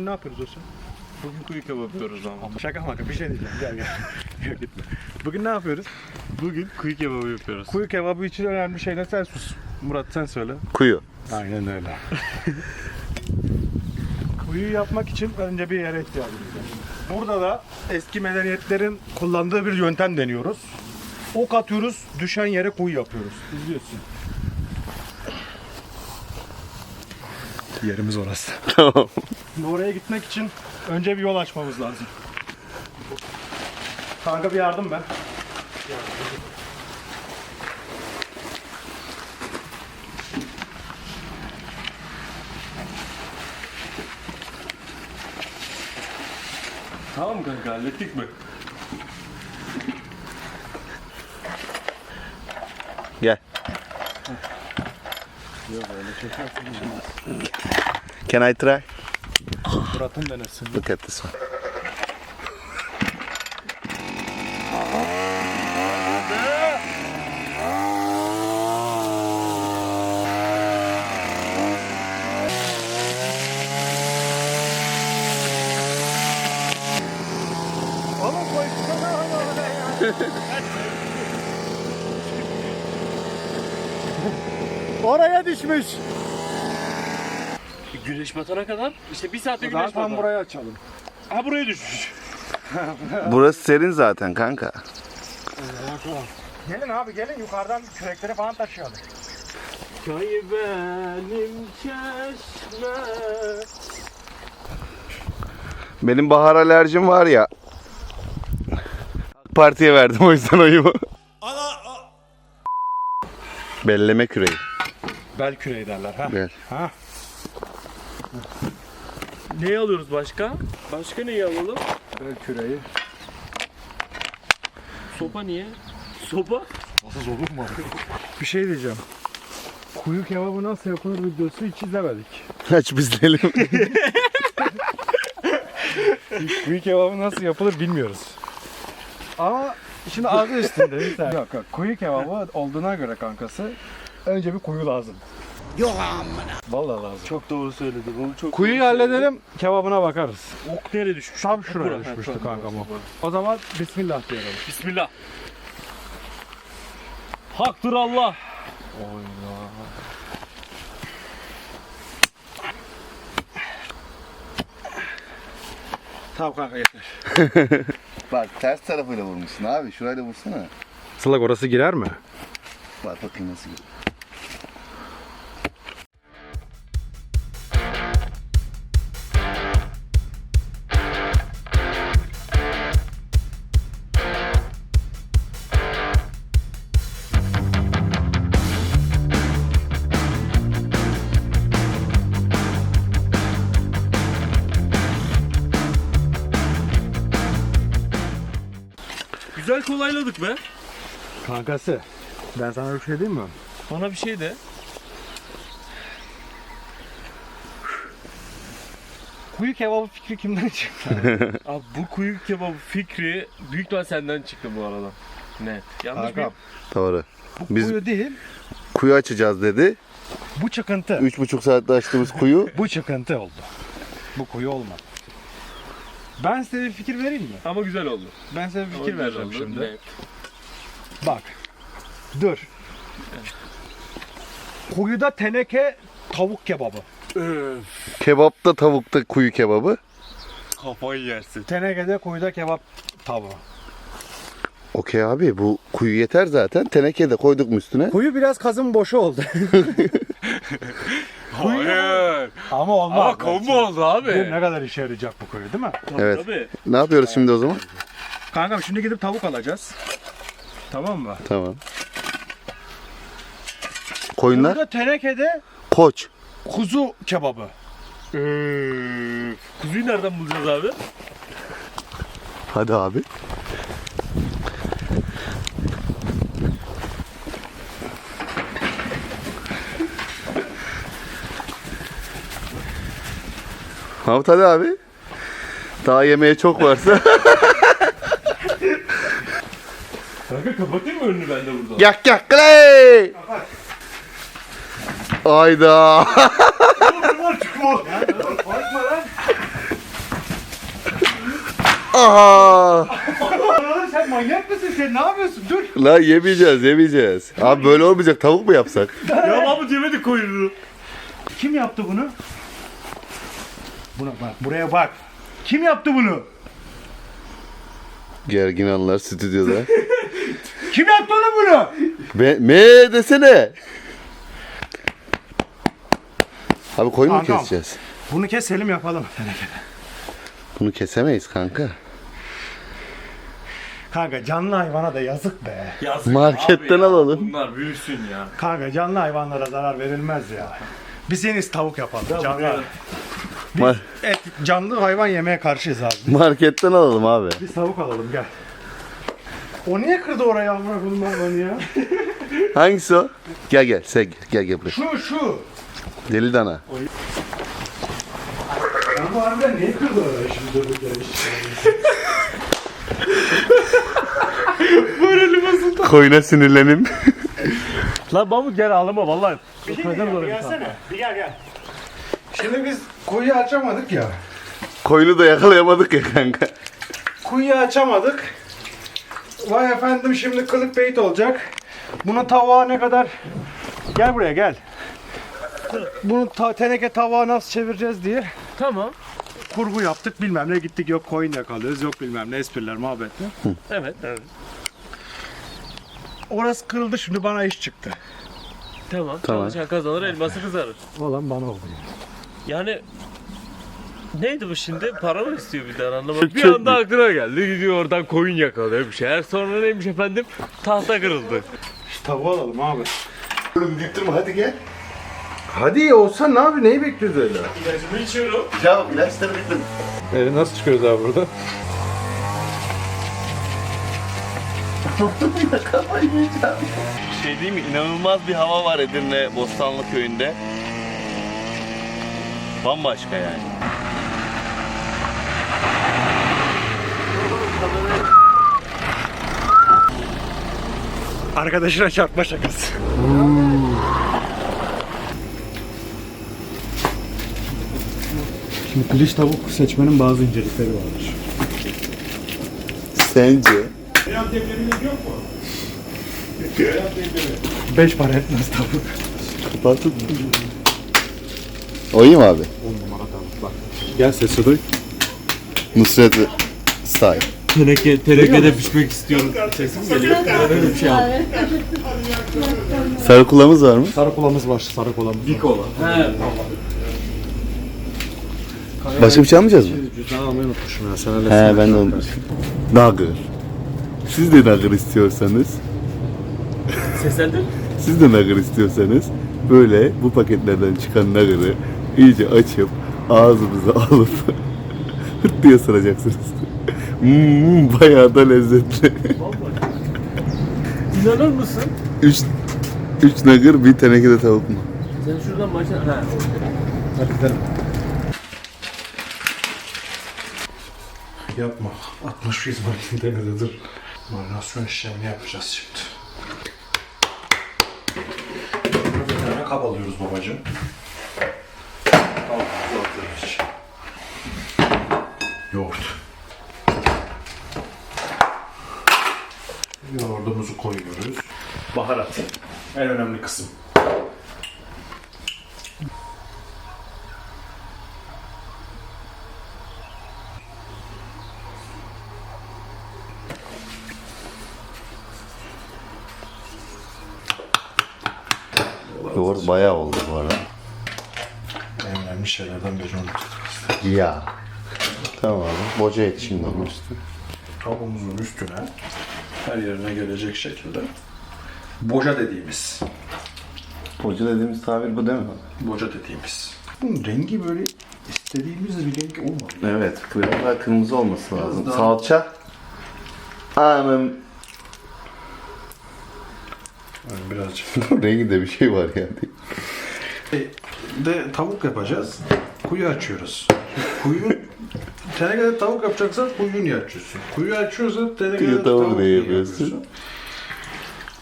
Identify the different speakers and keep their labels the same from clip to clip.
Speaker 1: bugün ne yapıyoruz dostum?
Speaker 2: Bugün kuyu kebabı yapıyoruz ama.
Speaker 1: Şaka maka bir şey diyeceğim. Gel. Yok gitme. Bugün ne yapıyoruz?
Speaker 2: Bugün kuyu kebabı yapıyoruz.
Speaker 1: Kuyu kebabı için önemli şeyler sen sus. Murat sen söyle.
Speaker 3: Kuyu.
Speaker 1: Aynen öyle. Kuyu yapmak için önce bir yere ihtiyacımız var. Burada da eski medeniyetlerin kullandığı bir yöntem deniyoruz. Ok atıyoruz, düşen yere kuyu yapıyoruz. İzliyorsun. Yerimiz orası.
Speaker 3: Tamam.
Speaker 1: Şimdi oraya gitmek için önce bir yol açmamız lazım. Kanka bir yardım ben.
Speaker 2: Tamam kanka, hallettik mi?
Speaker 3: Gel.
Speaker 1: Yok öyle çekersin.
Speaker 3: Can I try?
Speaker 1: Murat'ın denesin.
Speaker 3: Look at this one.
Speaker 1: Oğlum koysana oraya. Oraya düşmüş.
Speaker 2: Güneş batana kadar işte bir saatte güneş
Speaker 1: Zaten
Speaker 2: batar.
Speaker 1: burayı açalım.
Speaker 2: Ha buraya düşmüş.
Speaker 3: Burası serin zaten kanka.
Speaker 1: Gelin abi gelin yukarıdan kürekleri falan taşıyalım.
Speaker 2: Köy benim çeşme.
Speaker 3: Benim bahar alerjim var ya. Partiye verdim o yüzden oyumu. Belleme küreği.
Speaker 1: Bel küreği derler ha.
Speaker 3: Bel.
Speaker 1: Ha.
Speaker 2: Neyi alıyoruz başka? Başka neyi alalım?
Speaker 1: Bel küreği.
Speaker 2: Sopa niye? Sopa?
Speaker 1: Nasıl olur mu? Bir şey diyeceğim. Kuyu kebabı nasıl yapılır videosu hiç izlemedik.
Speaker 3: Aç bizleyelim.
Speaker 1: Kuyu kebabı nasıl yapılır bilmiyoruz. Ama şimdi adı üstünde bir tane. Yok yok. Kuyu kebabı olduğuna göre kankası önce bir kuyu lazım. Yok amına. Vallahi lazım.
Speaker 2: Çok doğru söyledin. Onu çok
Speaker 1: Kuyuyu
Speaker 2: doğru söyledin.
Speaker 1: halledelim, kebabına bakarız.
Speaker 2: Ok nereye düşmüş?
Speaker 1: Tam şuraya
Speaker 2: Bura.
Speaker 1: düşmüştü
Speaker 2: Ha, tamam,
Speaker 1: kankam o.
Speaker 2: tamam.
Speaker 1: O zaman bismillah diyelim.
Speaker 2: Bismillah. Haktır Allah.
Speaker 1: Tamam kanka yeter.
Speaker 3: Bak ters tarafıyla vurmuşsun abi. Şurayla vursana.
Speaker 1: Sılak orası girer mi?
Speaker 3: Bak bakayım nasıl gidiyor.
Speaker 2: Güzel kolayladık be.
Speaker 1: Kankası, ben sana bir şey diyeyim mi?
Speaker 2: Bana bir şey de.
Speaker 1: Kuyu kebabı fikri kimden çıktı?
Speaker 2: Abi bu kuyu kebabı fikri büyük ihtimal senden çıktı bu arada. Net. Yanlış mı?
Speaker 1: Kankam,
Speaker 3: Doğru.
Speaker 1: bu
Speaker 3: Biz
Speaker 1: kuyu değil,
Speaker 3: kuyu açacağız dedi.
Speaker 1: bu çıkıntı.
Speaker 3: 3,5 saatte açtığımız kuyu.
Speaker 1: Bu çıkıntı oldu. Bu kuyu olmadı. Ben size bir fikir vereyim mi?
Speaker 2: Ama güzel oldu.
Speaker 1: Ben size bir fikir
Speaker 2: Güzel
Speaker 1: vereceğim
Speaker 2: oldu.
Speaker 1: şimdi.
Speaker 2: Net.
Speaker 1: Bak. Dur. Kuyuda teneke tavuk kebabı.
Speaker 2: Öf.
Speaker 3: Kebapta tavukta kuyu kebabı.
Speaker 2: Kafayı yersin.
Speaker 1: Tenekede kuyuda kebap tavuğu.
Speaker 3: Okey abi bu kuyu yeter zaten. Teneke de koyduk mu üstüne?
Speaker 1: Kuyu biraz kazın boşu oldu.
Speaker 2: Hayır.
Speaker 1: Ama olmaz.
Speaker 2: Ama kombo oldu abi.
Speaker 1: Bu ne kadar işe yarayacak bu kuyu değil mi?
Speaker 3: Evet.
Speaker 2: Tabii.
Speaker 3: Ne yapıyoruz şimdi o zaman?
Speaker 1: Kankam şimdi gidip tavuk alacağız. Tamam mı?
Speaker 3: Tamam. Koyunlar?
Speaker 1: Kuyuda tenekede
Speaker 3: Koç.
Speaker 1: kuzu kebabı.
Speaker 2: Kuzuyu nereden bulacağız abi?
Speaker 3: Hadi abi. Mahmut hadi abi. Daha yemeğe çok varsa.
Speaker 2: Kanka kapatayım mı önünü ben de burada?
Speaker 3: Yak yak kley. Ayda.
Speaker 2: Var çıkma.
Speaker 1: Korkma lan.
Speaker 3: Aha!
Speaker 1: Oğlum sen manyak mısın? Sen ne yapıyorsun? Dur.
Speaker 3: Lan yemeyeceğiz. Abi böyle olmayacak. Tavuk mu yapsak?
Speaker 2: Ya Mahmut yemedi koyunu.
Speaker 1: Kim yaptı bunu? Buna bak. Buraya bak. Kim yaptı bunu?
Speaker 3: Gergin anlar stüdyoda.
Speaker 1: Kim yaptı oğlum bunu?
Speaker 3: Me desene. Abi koyun mu
Speaker 1: Kankam.
Speaker 3: keseceğiz?
Speaker 1: Bunu keselim yapalım.
Speaker 3: Bunu kesemeyiz kanka.
Speaker 1: Kanka canlı hayvana da yazık be.
Speaker 2: Yazık
Speaker 3: Marketten
Speaker 2: abi ya,
Speaker 3: alalım.
Speaker 2: Bunlar büyüsün ya.
Speaker 1: Kanka canlı hayvanlara zarar verilmez ya. Biz en iyisi tavuk yapalım. Canlı.
Speaker 3: Mar-
Speaker 1: Canlı hayvan yemeye karşıyız abi.
Speaker 3: Marketten alalım abi.
Speaker 1: Biz tavuk alalım gel. O niye kırdı oraya amına koyayım hayvanı ya?
Speaker 3: Hangisi o? Gel sen gel buraya.
Speaker 1: Şu.
Speaker 3: Deli dana.
Speaker 1: Ben bu harbiden niye kırdı oraya şimdi durduk yere
Speaker 3: Koyuna sinirlenim.
Speaker 2: Lan Mahmut gel ağlama vallahi.
Speaker 1: Bir gelsene. Bir gel. Şimdi biz kuyu açamadık ya.
Speaker 3: Koyunu da yakalayamadık ya kanka.
Speaker 1: Kuyu açamadık. Vay efendim şimdi clickbait olacak. Bunu tavuğa ne kadar... Gel buraya gel. Bunu teneke tavuğa nasıl çevireceğiz diye
Speaker 2: Tamam.
Speaker 1: kurgu yaptık bilmem ne gittik yok koyun yakalıyoruz yok bilmem ne espriler muhabbetler.
Speaker 2: Evet.
Speaker 1: Orası kırıldı şimdi bana iş çıktı.
Speaker 2: Tamam.
Speaker 3: Tamam.
Speaker 2: Çalışan kazanır, elması kızarır.
Speaker 1: Olan bana oldu.
Speaker 2: Yani neydi bu şimdi? Para mı istiyor bir daha anlamadım. Bir
Speaker 3: Çok
Speaker 2: anda aklına geldi. Gidiyor oradan koyun yakalıyor bir şeyler. Sonra neymiş efendim? Tahta kırıldı.
Speaker 1: Tavuğu alalım abi.
Speaker 3: Oğlum gittirme hadi gel.
Speaker 1: Hadi olsa ne abi neyi bekliyoruz öyle?
Speaker 2: İlacımı içiyorum.
Speaker 3: Ya ilaçları bitti.
Speaker 1: Nasıl çıkıyoruz abi burada?
Speaker 3: Şey diyeyim mi? İnanılmaz bir hava var Edirne Bostanlı köyünde. Bambaşka yani.
Speaker 1: Arkadaşına çarpma şakası. Şimdi piliç tavuk seçmenin bazı incelikleri vardır.
Speaker 3: Sence?
Speaker 1: 5 para etmez tavuk.
Speaker 3: Kapatıp o iyi mi abi?
Speaker 1: 10 numara tavuk bak. Gel sesi duy.
Speaker 3: Nusret Style.
Speaker 2: Tenekede pişmek istiyorum. Sesim geliyor. Böyle bir şey yap.
Speaker 3: Sarı kulağımız var mı?
Speaker 1: Sarı kolamız var, sarı kolamız. Bir kola.
Speaker 2: He.
Speaker 3: Başka bir şey almayacağız mı?
Speaker 1: Cüzdanı almayı unutmuşum ya. Sen öyle
Speaker 3: He ben de unutmuşum. Nugger. Siz de nugger istiyorsanız,
Speaker 2: Seslendir.
Speaker 3: siz de nugger istiyorsanız böyle bu paketlerden çıkan nugger'ı iyice açıp ağzımıza alıp hırt diye ısıracaksınız. Bayağı da lezzetli.
Speaker 2: İnanır mısın?
Speaker 3: 3 nugger bir tenekede tavuk mu?
Speaker 2: Sen şuradan başla. He.
Speaker 1: Hadi gidelim. Yapma. 60 yüz makinede dur. Marinasyon işlemini yapacağız şimdi. Bir tane kap alıyoruz babacığım. Yoğurt. Yoğurdumuzu koyuyoruz. Baharat. En önemli kısım.
Speaker 3: Yoğurt bayağı oldu bu arada.
Speaker 1: En önemli şeylerden biri unuttuk.
Speaker 3: Ya. Tamam abi. Boca et şimdi onun üstüne.
Speaker 1: Tavuğumuzun üstüne her yerine gelecek şekilde boca dediğimiz.
Speaker 3: Boca dediğimiz tabir bu değil mi?
Speaker 1: Boca dediğimiz. Bunun rengi böyle istediğimiz bir renk olmadı.
Speaker 3: Evet. Biraz daha kırmızı olması lazım.
Speaker 1: daha-
Speaker 3: Salça. Anam.
Speaker 1: Yani birazcık.
Speaker 3: Renginde bir şey var yani.
Speaker 1: De tavuk yapacağız. Kuyu açıyoruz. Kuyu tenekede tavuk yapacaksan kuyu niye açıyorsun? Kuyu açıyorsan tenekede
Speaker 3: Kuyu tavuk
Speaker 1: tavuk
Speaker 3: niye
Speaker 1: niye
Speaker 3: yapıyorsun?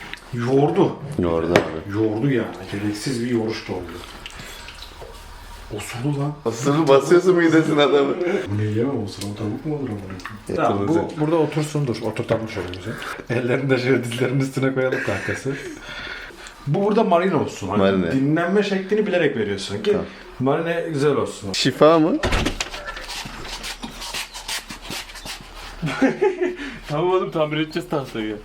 Speaker 1: Yoğurdu.
Speaker 3: Yoğurdu abi.
Speaker 1: Yoğurdu yani. Gereksiz bir yoğuruş da oluyor. Osulu lan.
Speaker 3: Osuru basıyorsun midesine adamı.
Speaker 1: Bu ne yemem osuru? O tavuk mu olur ama?
Speaker 3: Tamam,
Speaker 1: Tamam, bu burada otursun dur. Oturtalım şöyle güzel. Ellerini de şöyle dizlerinin üstüne koyalım kankası. Bu burada marine olsun. Hani
Speaker 3: Marine.
Speaker 1: dinlenme şeklini bilerek veriyorsun ki marine güzel olsun.
Speaker 3: Şifa mı?
Speaker 2: Tamam oğlum tamir edeceğiz tahtayı.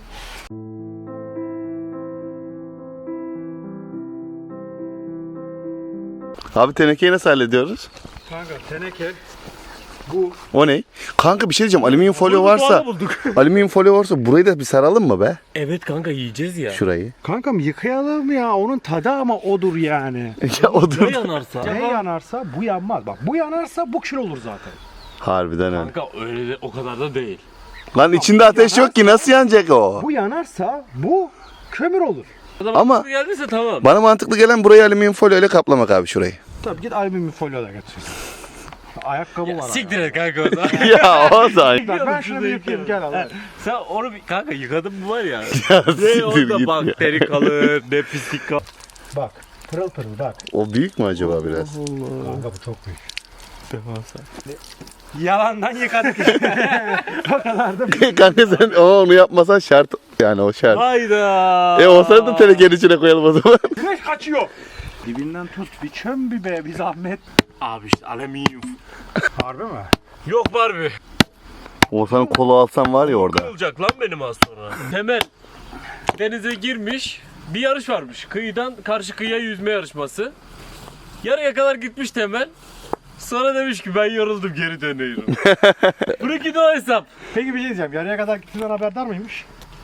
Speaker 3: Abi tenekeyi nasıl hallediyoruz?
Speaker 1: Kanka teneke bu.
Speaker 3: O ne? Kanka bir şey diyeceğim. Alüminyum folyo varsa alüminyum folyo varsa burayı da bir saralım mı be?
Speaker 2: Evet kanka yiyeceğiz ya.
Speaker 3: Şurayı.
Speaker 1: Kankam yıkayalım ya. Onun tadı ama odur yani.
Speaker 3: Ya o
Speaker 2: Ne
Speaker 3: dur.
Speaker 2: yanarsa?
Speaker 1: Ne yanarsa bu yanmaz. Bak bu yanarsa bu kül olur zaten.
Speaker 3: Harbiden öyle.
Speaker 2: Kanka öyle de, o kadar da değil.
Speaker 3: Lan içinde ateş yok ki nasıl yanacak o?
Speaker 1: Bu yanarsa bu kömür olur.
Speaker 3: Ama-
Speaker 2: geldiyse tamam.
Speaker 3: Bana mantıklı gelen burayı alüminyum folyo ile kaplamak abi şurayı.
Speaker 1: Tabii git alüminyum folyo da götürsün. Ayakkabı var.
Speaker 2: Siktir et kanka o zaman.
Speaker 3: Ya o da.
Speaker 1: Bak ben şunu bir yıkayayım gel al.
Speaker 2: Sen onu bir, kanka yıkadın mı var ya.
Speaker 3: Ya
Speaker 2: Ne
Speaker 3: siktir
Speaker 2: orada
Speaker 3: git ya.
Speaker 2: bakteri kalır, ne pislik kalır.
Speaker 1: Bak pırıl pırıl bak.
Speaker 3: O büyük mü acaba biraz?
Speaker 1: Kanka bu çok büyük.
Speaker 2: Devasa.
Speaker 1: Yalandan yıkadık işte. O kadar da
Speaker 3: Kanka sen onu yapmasan şart. Yani o şart.
Speaker 2: Hayda.
Speaker 3: O sırada da tenekenin içine koyalım o zaman.
Speaker 1: güneş kaçıyor. Dibinden tut bir çöm bir be bir zahmet.
Speaker 2: Abi işte alüminyum.
Speaker 1: Harbi mi?
Speaker 2: Yok Barbie.
Speaker 3: Oğuzhan'ın kolu alsam var ya orada.
Speaker 2: Kırılacak lan benim az sonra. Temel denize girmiş. Bir yarış varmış. Kıyıdan karşı kıyıya yüzme yarışması. Yarıya kadar gitmiş Temel. Sonra demiş ki ben yoruldum geri dönüyorum. Bırakın o hesap.
Speaker 1: Peki bir şey diyeceğim. Yarıya kadar gittiğinden haberdar mıymış?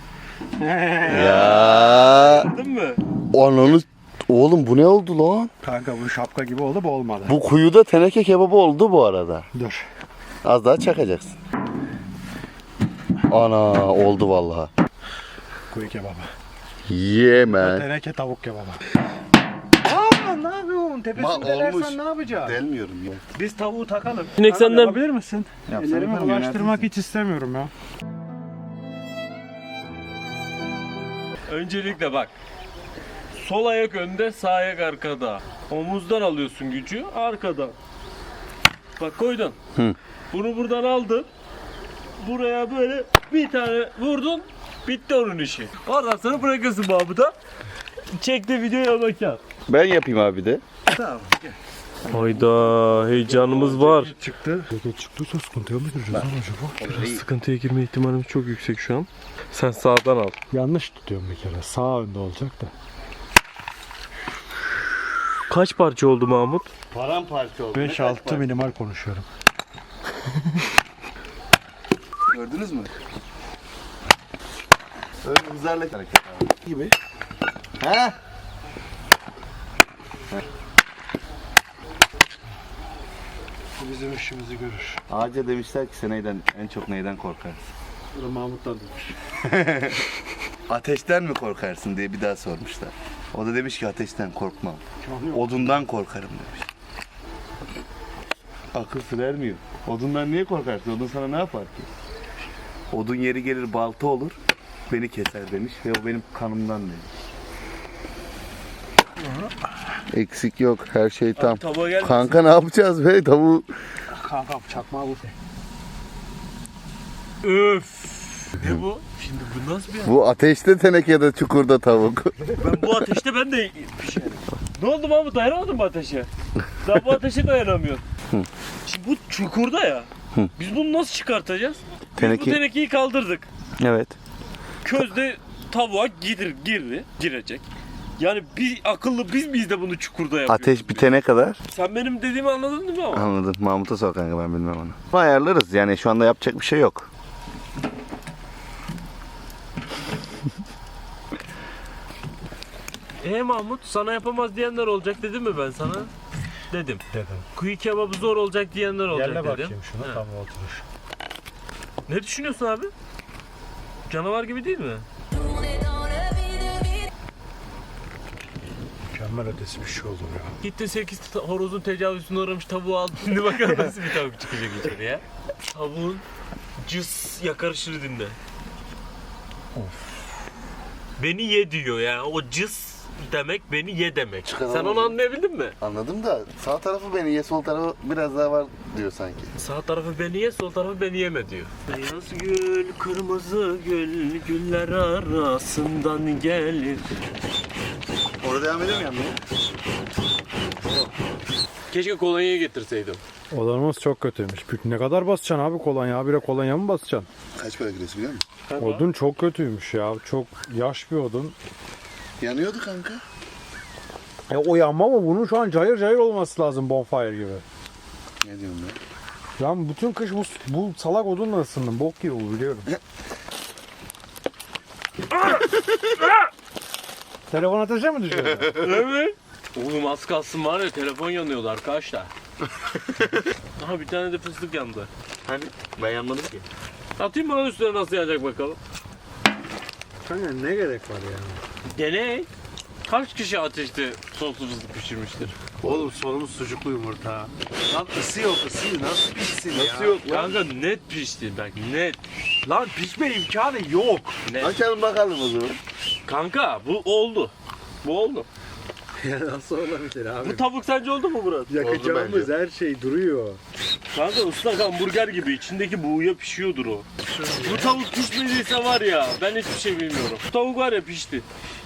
Speaker 3: Ya.
Speaker 2: Değil mi?
Speaker 3: Ananı. Oğlum bu ne oldu lan?
Speaker 1: Kanka bu şapka gibi oldu bu olmadı.
Speaker 3: Bu kuyuda teneke kebabı oldu bu arada.
Speaker 1: Dur.
Speaker 3: Az daha çakacaksın. Ana oldu vallahi.
Speaker 1: Kuyu kebabı.
Speaker 3: Yeme.
Speaker 1: Teneke tavuk kebabı. Aa ne yapıyorsun? Tepesini
Speaker 3: olmuş.
Speaker 1: delersen ne yapacaksın?
Speaker 3: Delmiyorum ya.
Speaker 1: Biz tavuğu takalım.
Speaker 2: Sinek
Speaker 1: Abi
Speaker 2: senden-
Speaker 1: yapabilir misin?
Speaker 3: Yapsana,
Speaker 1: Ellerimi
Speaker 3: tamam,
Speaker 1: ulaştırmak hiç istemiyorum ya.
Speaker 2: Öncelikle bak. Sol ayak önde, sağ ayak arkada. Omuzdan alıyorsun gücü, arkadan. Bak koydun.
Speaker 3: Hı.
Speaker 2: Bunu buradan aldın. Buraya böyle bir tane vurdun. Bitti onun işi. Oradan sonra bırakıyorsun Mahmut'a. Çekti videoya bakar.
Speaker 3: Ben yapayım abi de.
Speaker 1: Tamam.
Speaker 2: Hayda heyecanımız var.
Speaker 1: Çıktı. Ceket çıktıysa sıkıntıya mı gireceğiz lan acaba?
Speaker 2: Sıkıntıya girme ihtimalimiz çok yüksek şu an. Sen sağdan al.
Speaker 1: Yanlış tutuyorum bir kere. Sağ önde olacak da.
Speaker 2: Kaç parça oldu Mahmut?
Speaker 3: Paramparça oldu.
Speaker 1: 5-6 minimal konuşuyorum.
Speaker 3: Gördünüz mü? Öyle hızlarla hareket abi. Gibi. Ha?
Speaker 1: Bu bizim işimizi görür.
Speaker 3: Ağaca demişler ki sen en çok neyden korkarsın?
Speaker 1: Burada Mahmut'tan demiş.
Speaker 3: Ateşten mi korkarsın diye bir daha sormuşlar. O da demiş ki ateşten korkmam. Odundan korkarım demiş. Akıl sır ermiyor. Odundan niye korkarsın? Odun sana ne yapar ki? Odun yeri gelir balta olur. Beni keser demiş ve o benim kanımdan demiş. Eksik yok. Her şey tam.
Speaker 2: Tabağa gel.
Speaker 3: Kanka ne yapacağız be? Tavuğu
Speaker 1: Kankam çakmağı bu.
Speaker 2: Öf. Ne bu? Şimdi bu nasıl bir
Speaker 3: bu ateşte tenekede çukurda tavuk.
Speaker 2: Ben bu ateşte ben de pişerim. Ne oldu Mahmut dayanamadın mı ateşe? Sen bu ateşe dayanamıyorsun. Şimdi bu çukurda ya. Biz bunu nasıl çıkartacağız? Biz bu tenekeyi kaldırdık.
Speaker 3: Evet.
Speaker 2: Közde tavuğa girecek. Yani bir akıllı biz miyiz de bunu çukurda yapıyoruz?
Speaker 3: Ateş bitene kadar.
Speaker 2: Sen benim dediğimi anladın değil mi ama?
Speaker 3: Anladım. Mahmut'a sor kanka, ben bilmem onu. Ayarlarız yani, şu anda yapacak bir şey yok.
Speaker 2: Mahmut sana yapamaz diyenler olacak dedim mi ben sana? Dedim.
Speaker 1: Dedim.
Speaker 2: Kuyu kebabı zor olacak diyenler olacak
Speaker 1: Yerle
Speaker 2: dedim.
Speaker 1: bakayım şuna
Speaker 2: He.
Speaker 1: tam oturuş.
Speaker 2: Ne düşünüyorsun abi? Canavar gibi değil mi?
Speaker 1: Mükemmel ötesi bir şey olur ya.
Speaker 2: Gitti 8 horozun tecavüzüne uğramış tavuğu aldı. Şimdi bakalım nasıl bir tavuk çıkacak içeriye. Tavuğun cız yakarışını dinle. Beni ye diyor yani o cız demek beni ye demek.
Speaker 3: Çıkaralım
Speaker 2: Sen onu
Speaker 3: o zaman.
Speaker 2: anlayabildin mi?
Speaker 3: Anladım da sağ tarafı beni ye, sol tarafı biraz daha var diyor sanki.
Speaker 2: Sağ tarafı beni ye, sol tarafı beni yeme diyor. Beyaz gül, kırmızı gül, güller arasından gelir.
Speaker 3: Orada devam ediyor mu yanmaya?
Speaker 2: Keşke kolonyayı getirseydim.
Speaker 1: Odamız çok kötüymüş. Ne kadar basacaksın abi kolonya? Habire kolonya mı basacaksın?
Speaker 3: Kaç para kilosu biliyor musun?
Speaker 1: Odun çok kötüymüş ya. Çok yaş bir odun.
Speaker 3: Yanıyordu kanka.
Speaker 1: O yanma ama bunun şu an cayır cayır olması lazım bonfire gibi.
Speaker 3: Ne diyorsun ya?
Speaker 1: Ben bütün kış bu salak odunla ısındım. Bok gibi bu biliyorum. Telefon ateşe mi düşüyor?
Speaker 2: Evet. Oğlum az kalsın var ya, telefon yanıyordu arkadaşlar. Aha bir tane de fıstık yandı.
Speaker 3: Hani ben yanmadım ki.
Speaker 2: Atayım mı lan üstüne, nasıl yanacak bakalım.
Speaker 1: Kanka ne gerek var ya?
Speaker 2: Deney. Kaç kişi ateşte soslu fıstık pişirmiştir?
Speaker 1: Oğlum sonumuz sucuklu yumurta. Lan ısı yok ısı. Nasıl pişsin ya?
Speaker 2: Nasıl yok lan? Kanka net pişti bak, net.
Speaker 1: Lan pişme imkanı yok.
Speaker 2: Net.
Speaker 3: Açalım bakalım o zaman.
Speaker 2: Kanka bu oldu. Bu oldu.
Speaker 1: Ya nasıl olabilir abi?
Speaker 2: Bu tavuk sence oldu mu Murat?
Speaker 1: Yakacağımız her şey duruyor.
Speaker 2: Kanka ıslak hamburger gibi içindeki buğuya pişiyordur o. Bu tavuk pişmediyse var ya, ben hiçbir şey bilmiyorum. Bu tavuk var ya, pişti.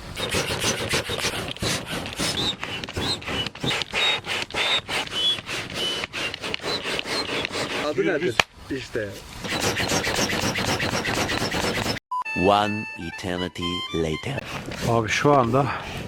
Speaker 1: Adı nedir? İşte.
Speaker 4: One eternity later.
Speaker 1: Abi şu anda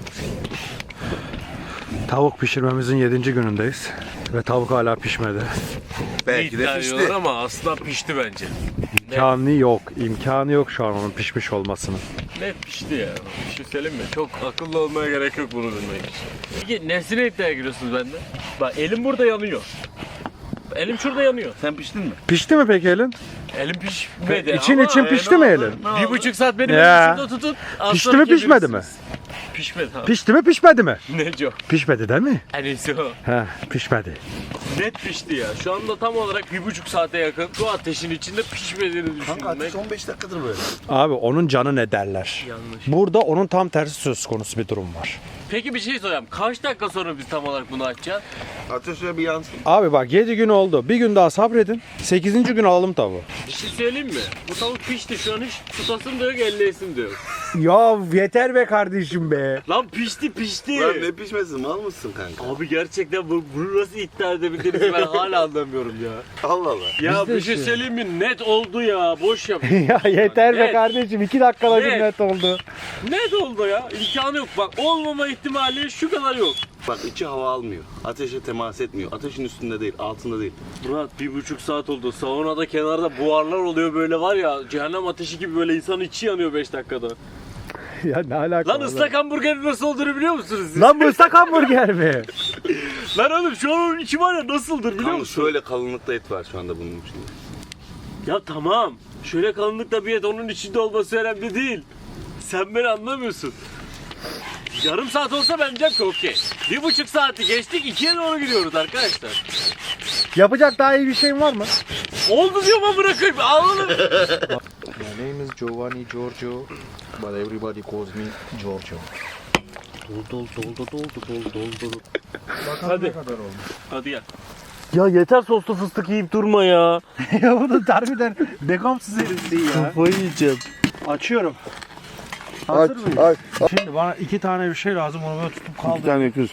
Speaker 1: tavuk pişirmemizin 7. günündeyiz. Ve tavuk hala pişmedi.
Speaker 3: Belki de
Speaker 2: İddia
Speaker 3: pişti.
Speaker 2: ediyorlar ama aslında pişti bence.
Speaker 1: İmkanı yok. İmkanı yok şu an onun pişmiş olmasının.
Speaker 2: Net pişti ya. Bir şey söyleyeyim mi? Çok akıllı olmaya gerek yok bunu bilmek için. Peki nesine iddiaya giriyorsunuz benden? Bak elim burada yanıyor. Elim şurada yanıyor.
Speaker 3: Sen piştin mi?
Speaker 1: Pişti mi peki elin?
Speaker 2: Elim pişmedi
Speaker 1: İçin
Speaker 2: ama
Speaker 1: için pişti mi elin?
Speaker 2: 1,5 saat benim
Speaker 1: Ya.
Speaker 2: elim şurada tutun.
Speaker 1: Pişti mi pişmedi mi?
Speaker 2: Pişmedi abi.
Speaker 1: Pişti mi pişmedi mi?
Speaker 2: Neco?
Speaker 1: Pişmedi değil mi?
Speaker 2: En iyisi o.
Speaker 1: He pişmedi.
Speaker 2: Net pişti ya. Şu anda tam olarak 1,5 saate yakın bu ateşin içinde pişmediğini
Speaker 3: Kanka ateş
Speaker 2: düşünmek
Speaker 3: 15 dakikadır böyle.
Speaker 1: Abi onun canı ne derler?
Speaker 2: yanlış.
Speaker 1: Burada onun tam tersi söz konusu bir durum var.
Speaker 2: Peki bir şey soracağım. Kaç dakika sonra biz tam olarak bunu açacağız?
Speaker 3: Ateş şöyle bir yansın.
Speaker 1: Abi bak 7 gün oldu. Bir gün daha sabredin. 8. gün alalım tavuğu.
Speaker 2: Bir şey söyleyeyim mi? Bu tavuk pişti, şu an hiç tutasım da yok, elleyesim de yok.
Speaker 1: Ya yeter be kardeşim be.
Speaker 2: Lan pişti pişti.
Speaker 3: Lan ne pişmesin, mal mısın kanka?
Speaker 2: Abi gerçekten bunu nasıl iddia edebildiğinizi ben hala anlamıyorum ya.
Speaker 3: Allah Allah.
Speaker 2: Ya
Speaker 1: Biz de
Speaker 2: bir şey
Speaker 1: işte.
Speaker 2: söyleyeyim mi? Net oldu ya. Boş yap.
Speaker 1: Ya yeter be
Speaker 2: Net.
Speaker 1: kardeşim. 2 dakikada bir
Speaker 2: Net.
Speaker 1: net oldu.
Speaker 2: Net oldu ya. İmkanı yok. Bak olmama ihtimali şu kadar yok.
Speaker 3: Bak içi hava almıyor. Ateşe temas etmiyor. Ateşin üstünde değil, altında değil.
Speaker 2: Murat 1,5 saat oldu. Saunada kenarda buharlar oluyor böyle var ya. Cehennem ateşi gibi böyle insanın içi yanıyor 5 dakikada.
Speaker 1: Ya ne alaka?
Speaker 2: Lan ıslak hamburgerin nasıl olduğunu biliyor musunuz siz?
Speaker 1: Lan bu ıslak hamburger mi?
Speaker 2: Lan oğlum şu an onun içi var ya nasıldır biliyor
Speaker 3: Kanka
Speaker 2: musun?
Speaker 3: şöyle kalınlıkta et var şu anda bunun içinde.
Speaker 2: Ya tamam. Şöyle kalınlıkta bir et onun içinde olması önemli değil. Sen beni anlamıyorsun. Yarım saat olsa ben diyeceğim ki okey. 1,5 saati geçtik, 2'ye doğru gidiyoruz arkadaşlar.
Speaker 1: Yapacak daha iyi bir şeyin var mı?
Speaker 2: Oldu diyorum ama bırakayım. Anladın mı?
Speaker 5: My name is Giovanni Giorgio, but everybody calls me Giorgio.
Speaker 2: Hadi. Hadi gel. Ya yeter soslu fıstık yiyip durma ya.
Speaker 1: Ya bu da harbiden bekamsız herifsin ya.
Speaker 2: Kafayı yiyeceğim.
Speaker 1: Açıyorum. Hazır mıyız? Şimdi bana 2 tane bir şey lazım. Onu böyle tutup kaldır.
Speaker 3: tane öküz.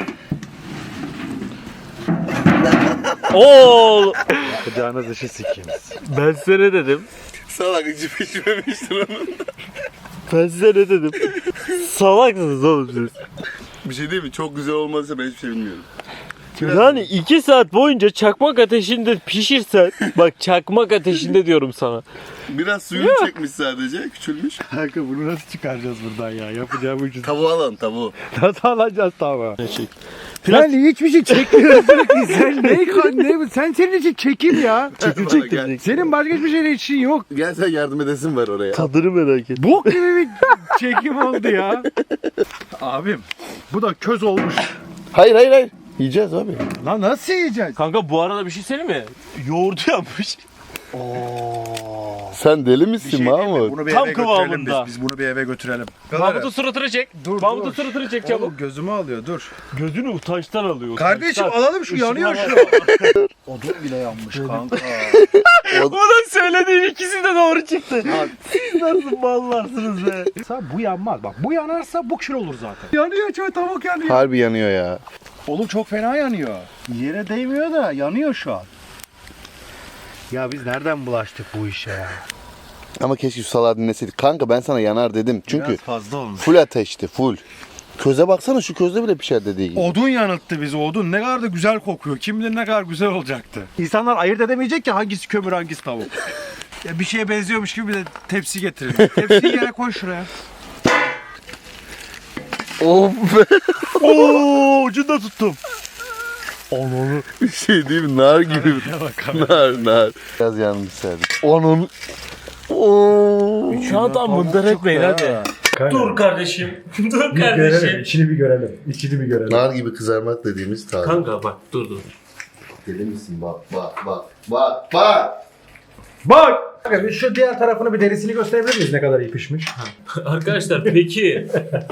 Speaker 2: Oo!
Speaker 1: Yapacağınız işi sikeyim.
Speaker 2: Ben size ne dedim?
Speaker 3: Salak içi pişmemiştir onun.
Speaker 2: Ben size ne dedim? Salaksınız oğlum siz.
Speaker 3: Bir şey değil mi? Çok güzel olmadıysa ben hiçbir şey bilmiyorum.
Speaker 2: Yani 2 saat boyunca çakmak ateşinde pişirsen, bak çakmak ateşinde diyorum sana.
Speaker 3: Biraz suyunu çekmiş sadece, küçülmüş.
Speaker 1: Kanka bunu nasıl çıkaracağız buradan ya? Yapacağım işi.
Speaker 3: Tavuğu alın, tavuğu.
Speaker 1: Nasıl alacağız tamam? Sen hiçbir şey çekmiyorsun ki. Sen ne? Sen senin için çekim ya.
Speaker 3: Gel.
Speaker 1: Senin başka hiçbir şeyle işin yok.
Speaker 3: Gel sen yardım edesin var oraya.
Speaker 2: Tadını merak et.
Speaker 1: Bok gibi bir çekim oldu ya. Abim bu da köz olmuş.
Speaker 3: Hayır. Yiyeceğiz abi.
Speaker 1: Lan nasıl yiyeceğiz?
Speaker 2: Kanka bu arada bir şey söyleyeyim mi? Yoğurdu yapmış.
Speaker 3: Sen deli misin Mahmut?
Speaker 1: Bunu bir
Speaker 2: Tam
Speaker 1: eve götürelim
Speaker 2: kıvamında.
Speaker 1: biz bunu bir eve götürelim.
Speaker 2: Mahmut'un suratını çek.
Speaker 1: Dur,
Speaker 2: Mahmut'un
Speaker 1: dur.
Speaker 2: suratını çek çabuk.
Speaker 1: Oğlum gözümü alıyor dur.
Speaker 2: Gözünü utançtan alıyor.
Speaker 1: Kardeşim
Speaker 2: utançtan.
Speaker 1: alalım şu yanıyor
Speaker 2: Işıklar
Speaker 1: şu. Odun bile yanmış kanka.
Speaker 2: Onun söylediği ikisi de doğru çıktı. Siz nasıl ballarsınız be?
Speaker 1: Bu yanmaz. Bak bu yanarsa bu kül olur zaten. Yanıyor çok tavuk yanıyor.
Speaker 3: Harbi yanıyor ya.
Speaker 1: Oğlum çok fena yanıyor. Yere değmiyor da yanıyor şu an. Ya biz nereden bulaştık bu işe ya?
Speaker 3: Ama keşke şu salağı dinleseydik. Kanka ben sana yanar dedim. Çünkü
Speaker 1: Biraz fazla olmuş.
Speaker 3: full ateşti full. Köze baksana şu közde bile pişer dediği gibi.
Speaker 1: Odun yanılttı bizi odun. Ne kadar da güzel kokuyor. Kim bilir ne kadar güzel olacaktı. İnsanlar ayırt edemeyecek ki hangisi kömür hangisi tavuk. Ya bir şeye benziyormuş gibi bir de tepsi getirelim. Tepsiyi yere koy şuraya.
Speaker 3: Of be.
Speaker 2: Oo, ucunda tuttum.
Speaker 3: Onu. Bir şey değil mi? Nar gibi. nar. Biraz yanmış serdik. Onun. Oo.
Speaker 2: Şu an tam mındar etmeyin hadi. Dur kardeşim. Dur kardeşim.
Speaker 1: İçini bir görelim. İçini bir görelim.
Speaker 3: Nar gibi kızarmak dediğimiz tarif.
Speaker 2: Kanka bak dur.
Speaker 3: Deli misin? Bak.
Speaker 1: Bak! Şu diğer tarafını bir derisini gösterebilir miyiz ne kadar iyi pişmiş?
Speaker 2: Arkadaşlar peki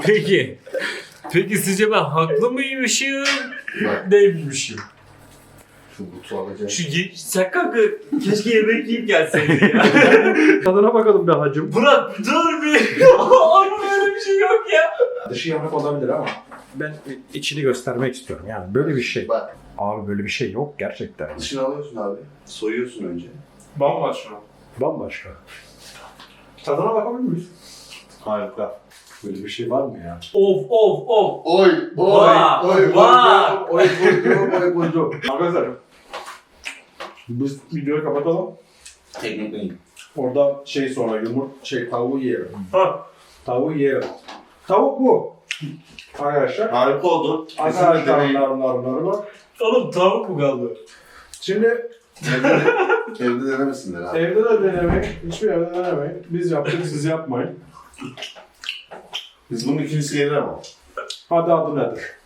Speaker 2: sizce ben haklı mıymışım? Değilmişim.
Speaker 3: Şu butu alacağım.
Speaker 2: Sen kanka keşke yemek yiyip gelseydin ya.
Speaker 1: Tadına bakalım be hacım.
Speaker 2: Burak dur bir. Abi böyle bir şey yok ya.
Speaker 1: Dışı yanık olabilir ama ben içini göstermek istiyorum yani böyle bir şey.
Speaker 3: Bak.
Speaker 1: Abi böyle bir şey yok gerçekten.
Speaker 3: Dışını alıyorsun abi. Soyuyorsun önce.
Speaker 2: Bambaşka.
Speaker 1: Bambaşka. Tadına bakabilir miyiz? Harika. Böyle bir şey var mı ya?
Speaker 2: Of.
Speaker 3: Oy
Speaker 2: Bak, bak.
Speaker 3: koydum.
Speaker 1: Arkadaşlar biz videoyu kapatalım.
Speaker 3: Teknik.
Speaker 1: Orada sonra tavuğu yiyelim.
Speaker 2: Ha.
Speaker 1: Tavuğu yiyelim. Tavuk bu. Arkadaşlar.
Speaker 3: Harika oldu.
Speaker 1: Arkadaşlar bak.
Speaker 2: Oğlum tavuk mu kaldı?
Speaker 1: Şimdi
Speaker 3: Evde denemesinler abi.
Speaker 1: evde de denemeyin. Hiçbir evde denemeyin. Biz yaptık siz yapmayın.
Speaker 3: Biz bunun ikincisi gelir ama.
Speaker 1: Hadi adı nedir?